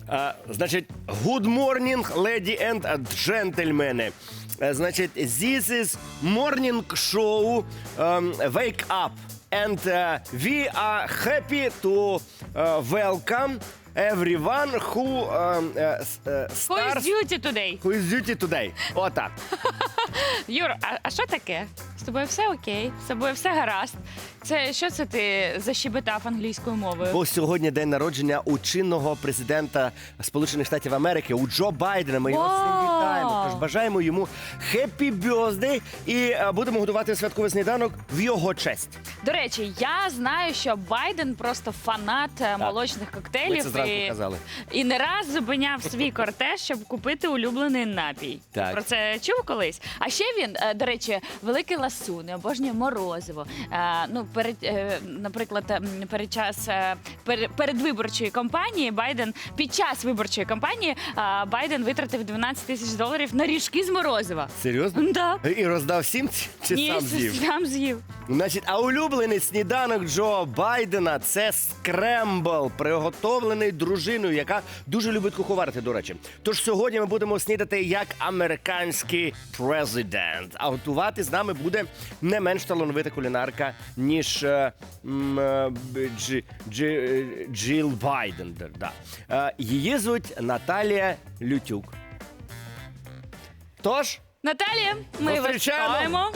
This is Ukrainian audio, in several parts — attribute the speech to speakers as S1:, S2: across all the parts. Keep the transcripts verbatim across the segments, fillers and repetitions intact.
S1: А, значить, good morning, lady and gentlemen. А, значить, this is morning show um, Wake Up. And uh, we are happy to uh, welcome everyone who um, uh, s- uh,
S2: Who is
S1: starts...
S2: duty today?
S1: Who is duty today. Отак.
S2: Юр, а, а що таке? З тобою все окей, з тобою все гаразд. Це що це ти защебетав англійською мовою?
S1: Бо сьогодні день народження у чинного президента Сполучених Штатів Америки, у Джо Байдена. Ми його
S2: Вау!
S1: всім вітаємо. Тож бажаємо йому хеппі бьоздей і е, будемо готувати святковий сніданок в його честь.
S2: До речі, я знаю, що Байден просто фанат е, молочних коктейлів.
S1: Ми це зранку
S2: і,
S1: казали.
S2: і не раз зупиняв свій кортеж, щоб купити улюблений напій.
S1: Так.
S2: Про це чув колись? А ще він, е, до речі, великий ласун, обожнює морозиво. Е, ну, перед, е, наприклад, м, перед час е, пер, передвиборчої кампанії Байден, під час виборчої кампанії е, Байден витратив дванадцять тисяч доларів на ріжки з морозива.
S1: Серйозно?
S2: Да.
S1: І роздав всім чи
S2: Ні,
S1: сам з'їв?
S2: сам з'їв.
S1: Значить, а улюблений сніданок Джо Байдена – це скрембл, приготовлений дружиною, яка дуже любить куховарити, до речі. Тож сьогодні ми будемо снідати як американський президент. А готувати з нами буде не менш талановита кулінарка, ніж е, м, е, б- Джі, Джі, е, Джил Байден. Да. Е, Її звуть Наталія Лютюк. Тож,
S2: Наталія, ми вас
S1: Зустрічаємо.
S2: вітаємо.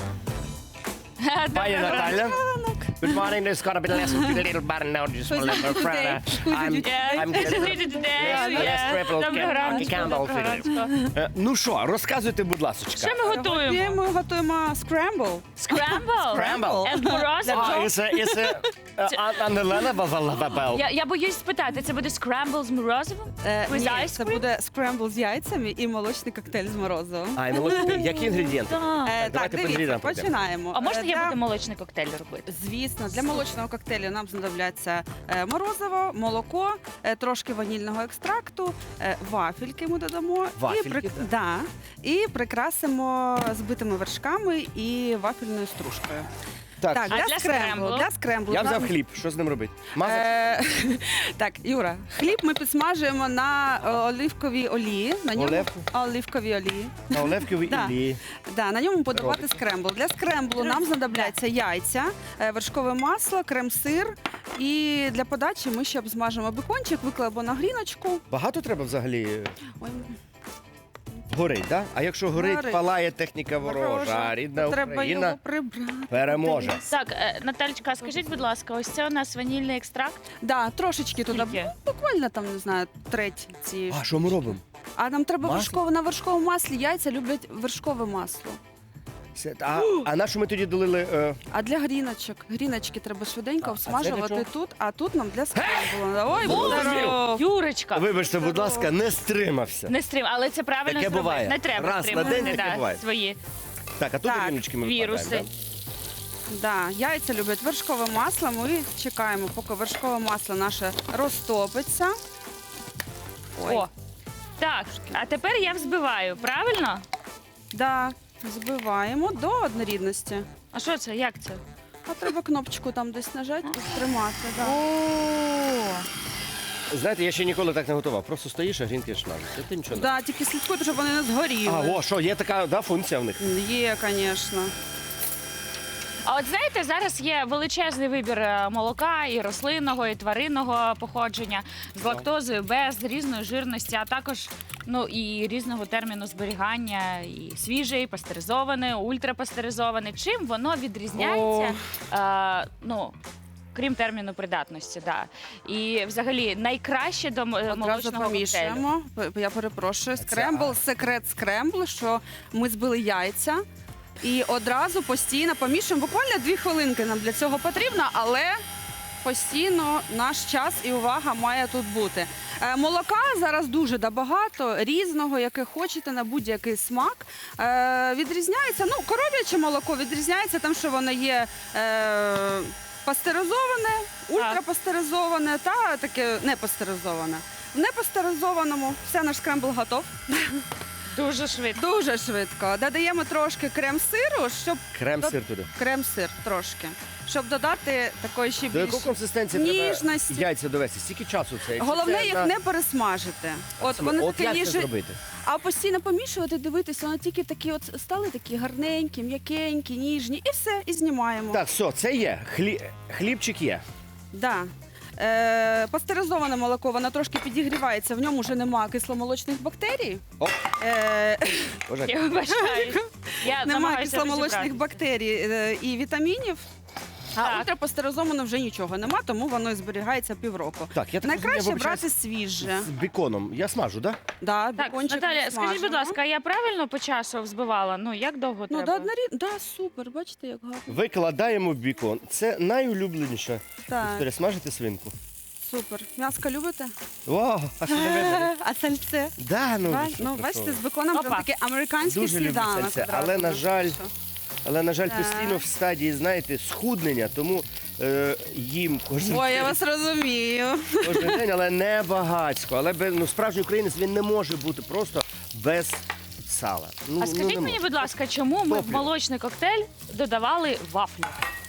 S1: пані
S2: Доброго
S1: Наталя. Good morning, there's gonna be less a little bit now, just a little bit further. I'm, I'm getting
S2: Доброго ранку. Доброго ранку.
S1: Е, Ну що, розказуйте, будь ласка.
S2: Що ми готуємо?
S3: Сьогодні ми готуємо скрембл.
S2: Scramble?
S1: Scramble.
S2: And морозиво?
S1: А, і це, і це, е, а- Анелена Вавалавабел.
S2: Я, я боюсь спитати, це буде scramble з морозивом?
S3: Е,
S2: With
S3: ні,
S2: ice
S3: це
S2: cream?
S3: буде скрембл з яйцями і молочний коктейль з морозивом.
S1: А, і молочний, які інгредієнти?
S2: Так.
S3: Е,
S1: давайте
S3: так,
S1: по
S3: дивіться,
S1: інгредієнтам пройдемо.
S3: починаємо.
S2: А можна
S3: Е,
S2: я
S3: для-
S2: буду молочний коктейль робити?
S3: Звісно, для молочного коктейлю нам знадобляться е, морозиво, молоко, е, трошки ванільного екстракту, е, вафельки ми додамо
S1: Вафельки,
S3: і, прик-
S1: так?
S3: да, і прикрасимо збитими вершками і вафельною стружкою.
S1: Так,
S3: Так,
S2: А
S3: для,
S2: для
S3: скремблу,
S2: скремблу?
S3: для скремблу
S1: я
S3: нам-
S1: взяв хліб, що з ним робити? Мазати?
S3: Е, так, Юра, хліб ми підсмажуємо на е, оливковій олії. На ньому
S1: Оливку?
S3: оливковій олії.
S1: На оливковій
S3: Да.
S1: олії.
S3: Да, на ньому подавати скрембл. Для скремблу нам знадобляться яйця, е, вершкове масло, крем-сир. І для подачі ми ще обсмажимо бекончик, викладемо на гріночку.
S1: Багато треба взагалі
S3: Ой,
S1: горить, да? А якщо горить,
S3: Горить.
S1: палає техніка ворожа, а рідна
S3: треба
S1: Україна
S3: його прибрати.
S1: переможе.
S2: Так, е, Наталечка, скажіть, будь ласка, ось це у нас ванільний екстракт.
S3: Да, трошечки туди,
S2: Скільки?
S3: ну, буквально там, не знаю, треть цієї.
S1: А що ми робимо?
S3: А нам треба
S1: Масло?
S3: вершкове на вершковому маслі. Яйця люблять вершкове масло.
S1: Це- А, а на що ми тоді долили? е,
S3: А для гріночок, гріночки треба швиденько
S1: А, а це для
S3: обсмажувати
S1: чого?
S3: тут, а тут нам для скремблу. Ой,
S1: Боже
S3: здоров!
S2: Юрочка,
S1: Вибачте, будь ласка, не стримався.
S2: не стрим, але це правильно
S1: Таке
S2: зробити.
S1: буває.
S2: Не треба
S1: Раз на
S2: стримувати
S1: день таке
S2: да,
S1: буває.
S2: свої
S1: Так, а тут
S3: Так,
S1: ріночки ми
S2: віруси.
S1: викладаємо,
S3: Да, яйця люблять вершкове масло. Ми чекаємо, поки вершкове масло наше розтопиться. Ой.
S2: О, так, а тепер я взбиваю, правильно?
S3: Да, збиваємо до однорідності.
S2: А що це? Як це?
S3: А треба кнопочку там десь нажати і тримати. Да.
S2: О,
S1: да? Знаєте, я ще ніколи так не готував. Просто стоїш, а грінки шмажуться. Ти нічого не...
S3: Да, тільки слідкуйте, щоб вони не згоріли.
S1: А, о, що, є така да, функція в них?
S3: Є, звісно.
S2: А от знаєте, зараз є величезний вибір е, молока і рослинного, і тваринного походження з лактозою, без, з різної жирності, а також ну і різного терміну зберігання, і свіже, і пастеризоване, ультрапастеризоване. Чим воно відрізняється? Е, ну, крім терміну придатності, да. І взагалі найкраще до м-
S3: Одразу
S2: молочного коктейлю.
S3: помішуємо. П- Я перепрошую. Скрембл, секрет скрембл, що ми збили яйця. І одразу постійно помішуємо. Буквально дві хвилинки нам для цього потрібно, але постійно наш час і увага має тут бути. Е, Молока зараз дуже да багато, різного, яке хочете, на будь-який смак. Е, Відрізняється, ну, коров'яче молоко відрізняється тим, що воно є е, пастеризоване, ультрапастеризоване та таке непастеризоване. В непастеризованому все, наш скрембл готов.
S2: Дуже швидко.
S3: Дуже швидко. Додаємо трошки крем-сиру, щоб
S1: Крем-сир туди.
S3: крем-сир трошки, щоб додати такої ще
S1: До
S3: більш
S1: якої консистенції
S3: ніжності.
S1: треба яйця довести? Скільки часу це? Якщо
S3: Головне
S1: це
S3: їх
S1: на-
S3: не пересмажити. От вони
S1: От
S3: такі
S1: як це
S3: ніжні,
S1: зробити?
S3: а постійно помішувати, дивитися, вони тільки такі от стали такі гарненькі, м'якенькі, ніжні, і все, і знімаємо.
S1: Так, все, це є. Хлі... Хлібчик є.
S3: Да. Е, пастеризоване молоко, воно трошки підігрівається, в ньому вже немає кисломолочних бактерій.
S1: О,
S3: Е,
S1: Боже,
S2: Я вибачаюсь. Я
S3: немає
S2: намагаюся
S3: кисломолочних
S2: розібратися.
S3: бактерій е, і вітамінів. А
S2: Так.
S3: ультрапастеризовано вже нічого нема, тому воно і зберігається півроку.
S1: Так, я так
S3: Найкраще
S1: розумію, я
S3: брати свіже.
S1: з біконом. Я смажу, так? Да?
S3: Да,
S2: Так,
S3: бекончик
S2: Наталя, скажіть, будь
S3: смажемо.
S2: ласка, я правильно по часу взбивала? Ну, як довго
S3: Ну, да,
S2: треба?
S3: однорід... да, супер, бачите, як гарно.
S1: Викладаємо в бікон. Це найулюбленіша
S3: Так,
S1: історія. Смажити свинку.
S3: супер. М'яско любите?
S1: Вау, а що не видно?
S3: А сальце?
S1: Да, ну,
S3: Да?
S1: ви що,
S3: Ну,
S1: про
S3: бачите,
S1: що?
S3: з беконом прям
S2: Опа.
S3: такий американський
S1: Дуже люблю
S3: сніданок.
S1: сальце,
S3: одразу
S1: але, на
S3: буде.
S1: жаль, Але, на жаль,
S3: Так.
S1: постійно в стадії, знаєте, схуднення, тому е, їм кожен,
S3: Ой, я
S1: день,
S3: вас розумію.
S1: кожен день, але не багатько. Але без, ну, справжній українець він не може бути просто без сала. Ну,
S2: А
S1: ну,
S2: скажіть
S1: не
S2: мені,
S1: може.
S2: будь ласка, чому ми в
S1: Топлю.
S2: молочний коктейль додавали вафлі?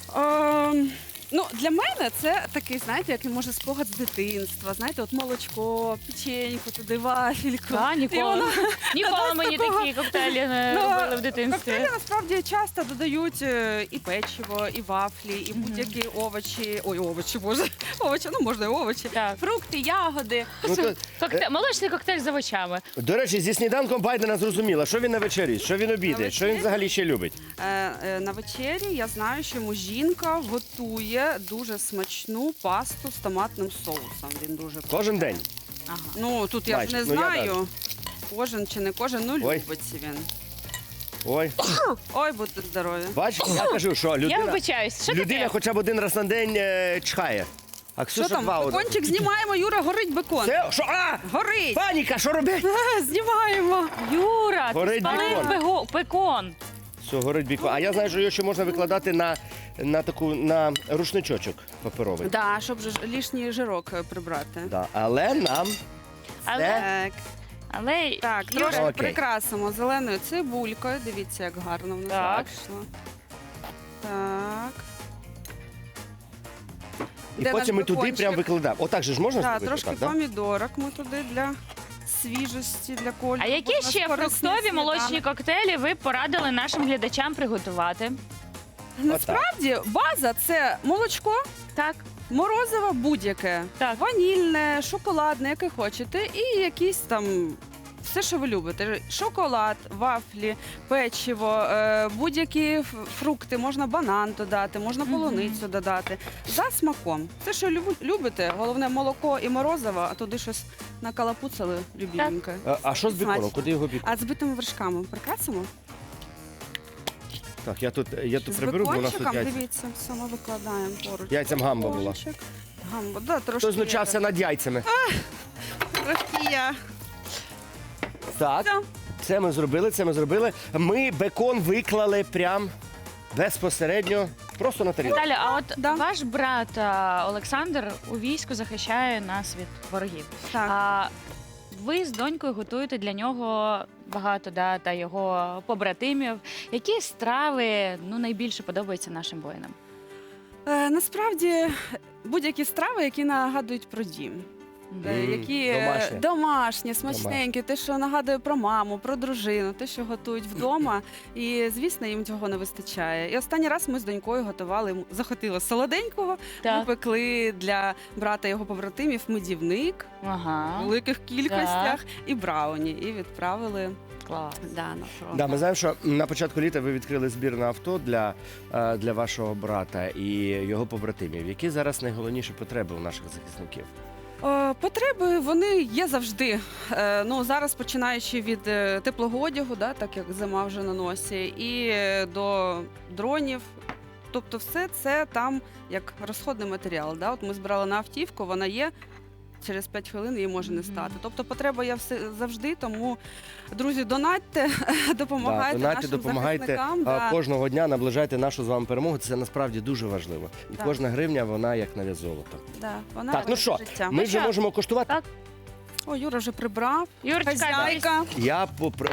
S3: Ем, ну, для мене це такий, знаєте, який може спогад з дитинства. Знаєте, от молочко, печеньку, туди вафельку.
S2: Та,
S3: І
S2: ніколи.
S3: воно-
S2: Ніколи
S3: Без
S2: мені
S3: такого-
S2: такі коктейлі не
S3: Ну,
S2: робили в дитинстві.
S3: Коктейлі насправді часто додають е, і печиво, і вафлі, і будь-які овочі. Ой, овочі, боже, овочі, ну можна і овочі.
S2: Так.
S3: Фрукти, ягоди.
S1: Ну, то,
S2: Коктейль, молочний коктейль з овочами.
S1: до речі, зі сніданком Байдена зрозуміла, що він на вечері, що він обідає, що він
S3: вечері?
S1: взагалі ще любить.
S3: Е, е, на вечері я знаю, що йому жінка готує дуже смачну пасту з томатним соусом. Він дуже
S1: Кожен день.
S3: ага. Ну тут я ж
S1: Майже.
S3: не
S1: Ну, я
S3: знаю. Кожен чи не кожен, ну
S1: Ой.
S3: любить він.
S1: Ой,
S3: Ой, будьте здорові.
S1: бачиш, я кажу, що
S2: Я
S1: людина,
S2: вибачаюсь, що
S1: людина
S2: таке?
S1: хоча б один раз на день е, чхає. А
S3: Що
S1: Ксюша
S3: там?
S1: два одразу.
S3: Бекончик знімаємо, Юра, горить бекон.
S1: Це що? А!
S3: Горить!
S1: Паніка, що робить?
S3: Знімаємо.
S2: Юра, ти
S1: Горить
S2: спалив
S1: бекон.
S2: пего- пекон.
S1: Все, горить бікон. А я знаю, що його ще можна викладати на, на таку на рушничочок паперовий.
S3: Да, щоб же ж лишній жирок е, прибрати.
S1: Да. Але нам
S2: Але,
S3: Так,
S2: але
S3: так,
S2: Юра,
S3: трошки
S1: Окей.
S3: прикрасимо зеленою цибулькою. Дивіться, як гарно в нас
S2: Так.
S3: вийшло. Так.
S1: і
S3: Де
S1: потім
S3: наш
S1: ми туди
S3: бекончик?
S1: прям викладаємо. Отак же ж можна
S3: Так,
S1: зробити?
S3: трошки
S1: так, да?
S3: помідорок ми туди для свіжості, для кольору.
S2: а які
S3: Бо в нас
S2: ще
S3: корисний
S2: фруктові
S3: сніданок.
S2: молочні коктейлі ви б порадили нашим глядачам приготувати?
S3: Насправді база це молочко,
S2: Так,
S3: морозиво будь-яке.
S2: так.
S3: Ванільне, шоколадне, яке хочете, і якісь там. Все, що ви любите: шоколад, вафлі, печиво, е, будь-які ф- фрукти, можна банан додати, можна
S2: Мгм.
S3: полуницю додати. За смаком. Все, що люб- любите, головне молоко і морозиво, а туди щось накалапуцали любіленьке.
S1: А, а що з біконом?
S3: Смачно.
S1: Куди його бікон?
S3: А з битими вершками прикрасимо?
S1: Так, я тут, я тут
S3: З
S1: приберу, бо у нас тут
S3: бекончиком,
S1: яйця.
S3: дивіться, все ми викладаємо поруч.
S1: Яйцям гамба була.
S3: Бекончик. Гамба, да, трошки.
S1: Хто знущався над яйцями?
S3: Трошки я.
S1: Так,
S3: Все.
S1: це ми зробили, це ми зробили. Ми бекон виклали прям безпосередньо, просто на тарілку.
S2: Наталя, а от
S3: Да.
S2: ваш брат а, Олександр у війську захищає нас від ворогів.
S3: Так.
S2: А ви з донькою готуєте для нього багато, да, та його побратимів. Які страви ну, найбільше подобаються нашим воїнам?
S3: Е, насправді будь-які страви, які нагадують про дім. Е,
S1: Мгм,
S3: які е,
S1: домашні.
S3: домашні, смачненькі, те, що нагадує про маму, про дружину, те, що готують вдома. І, звісно, їм цього не вистачає. І останній раз ми з донькою готували, йому захотіли солоденького. Ми
S2: Так.
S3: пекли для брата його побратимів медівник в
S2: Ага,
S3: великих кількостях і брауні. І відправили
S2: клас.
S3: да, на фронт.
S1: Да, ми знаємо, що на початку літа ви відкрили збір на авто для, е, для вашого брата і його побратимів. Які зараз найголовніші потреби у наших захисників?
S3: Е, Потреби вони є завжди. Е, Ну зараз починаючи від е, теплого одягу, да, так як зима вже на носі, і е, до дронів. Тобто, все це там як розходний матеріал. Да? От ми збирали на автівку, вона є. Через п'ять хвилин її може не
S2: Мгм.
S3: стати. Тобто потреба є все завжди. Тому, друзі, донатьте, допомагайте
S1: Да, донайте,
S3: нашим
S1: допомагайте
S3: захисникам.
S1: а,
S3: Да.
S1: кожного дня, наближайте нашу з вами перемогу. Це насправді дуже важливо. І
S3: Так.
S1: кожна гривня, вона як навіть золото.
S3: Да, вона
S1: Так, ну
S3: рятує
S1: що,
S3: життя.
S1: ми вже
S2: що?
S1: можемо коштувати.
S2: Так.
S3: О, Юра вже прибрав.
S2: Юрочка,
S3: Хазяйка.
S1: Я попри...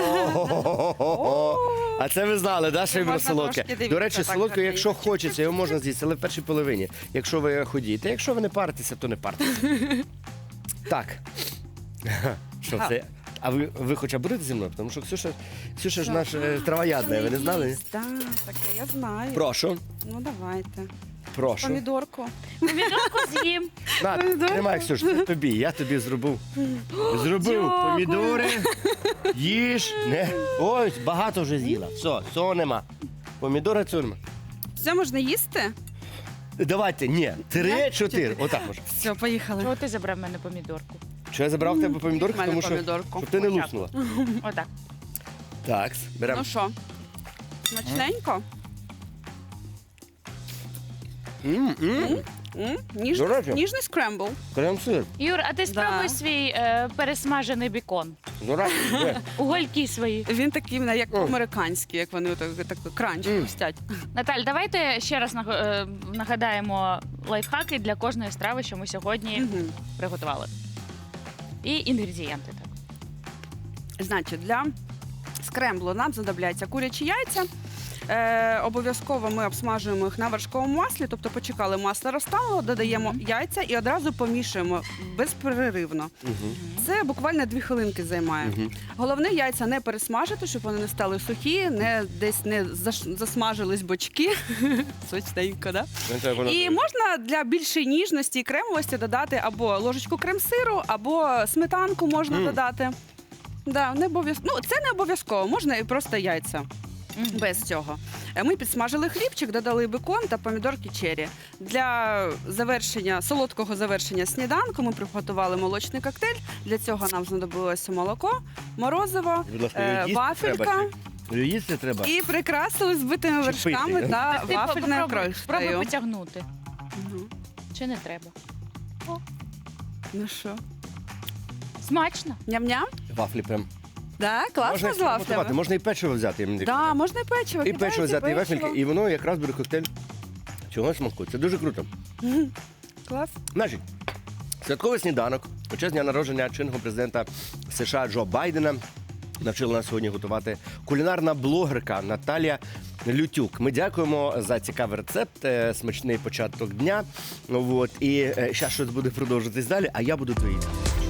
S1: О, А це ви знали, да, що
S3: Можна
S1: вибір солодке?
S3: трошки, дивіться,
S1: До речі,
S3: так,
S1: солодке,
S3: так,
S1: якщо
S3: дивіться.
S1: хочеться, його можна з'їсти, але в першій половині, якщо ви ходієте. Якщо ви не паритеся, то не партеся. Так. Що
S3: Га.
S1: це? А ви, ви хоча будете зі мною? Тому що Ксюша, Ксюша ж наш е, травоядна, ви не знали?
S3: Так, таке, я знаю.
S1: Прошу,
S3: Ну, давайте.
S1: прошу.
S3: Помідорку.
S2: Помідорку з'їм.
S1: На, тримай, Ксюш, це тобі, я тобі зробив. Зробив
S2: Дякую.
S1: помідори, їж, не. Ось, багато вже з'їла. Все, цього нема. Помідори цього нема.
S3: Все можна їсти?
S1: Давайте, ні, три-чотири. Отак може.
S3: Все, поїхали.
S2: Чого ти забрав в мене помідорку?
S1: Що я забрав в тебе помідорки,
S3: В мене
S1: тому що
S3: помідорку.
S1: щоб ти не
S2: Отак.
S1: луснула.
S2: Отак.
S1: Так, беремо.
S3: Ну що, смачненько?
S1: М, м,
S3: М?
S1: До
S3: Ніжний,
S1: речі.
S3: ніжний скрембл.
S1: Крем-сир.
S2: Юр, а ти спробуй
S3: Да.
S2: свій е, пересмажений бікон.
S1: До речі, де?
S2: Угольки свої.
S3: Він такий, в мене, як
S1: О.
S3: американський, як вони так, так кранч
S1: Мм.
S3: хрустять.
S2: Наталь, давайте ще раз наг- е, нагадаємо лайфхаки для кожної страви, що ми сьогодні
S3: Мгм.
S2: приготували. І інгредієнти. Так.
S3: Значить, для скремблу нам знадобляться курячі яйця. Е, обов'язково ми обсмажуємо їх на вершковому маслі, тобто почекали, масло розтануло, додаємо
S2: Мгм.
S3: яйця і одразу помішуємо безперервно.
S1: Мгм,
S3: Це буквально дві хвилинки займає.
S1: мгм.
S3: Головне яйця не пересмажити, щоб вони не стали сухі, не десь не заш- засмажились бочки. Сочненько, да?
S1: Ну, так воно-
S3: І можна для більшої ніжності і кремовості додати або ложечку крем-сиру, або сметанку можна
S1: Мм.
S3: додати. Да, не обов'язково. Ну, це не обов'язково, можна і просто яйця.
S2: Мгм.
S3: Без цього. Е, Ми підсмажили хлібчик, додали бекон та помідорки черрі. Для завершення, солодкого завершення сніданку ми приготували молочний коктейль. Для цього нам знадобилося молоко, морозиво,
S1: Будь ласка,
S3: е,
S1: їсти
S3: вафелька
S1: треба чи- їсти треба.
S3: і прикрасили збитими
S1: Чи
S3: вершками
S1: пити?
S3: та
S2: Ти
S3: вафельною
S2: попробуй- Спробуй
S3: крошкою.
S2: потягнути.
S3: Ну,
S2: Чи не треба?
S3: Ну що,
S2: Смачно.
S3: ням-ням?
S1: Вафлі прям.
S3: Да,
S1: Можна
S3: класно з
S1: експериментувати,
S3: вафлями.
S1: можна і печиво взяти. я мені
S3: Да, можна і печиво.
S1: І
S3: кидаєте
S1: печиво взяти, і
S3: печиво.
S1: вафельки, і воно якраз буде коктейль цього смаку. Це дуже круто.
S3: Мгм. Клас.
S1: Значить, святковий сніданок у честь дня народження чинного президента США Джо Байдена навчила нас сьогодні готувати кулінарна блогерка Наталія Лютюк. Ми дякуємо за цікавий рецепт, е, смачний початок дня. Ну, от, і зараз щось буде продовжуватись далі, а я буду доїти.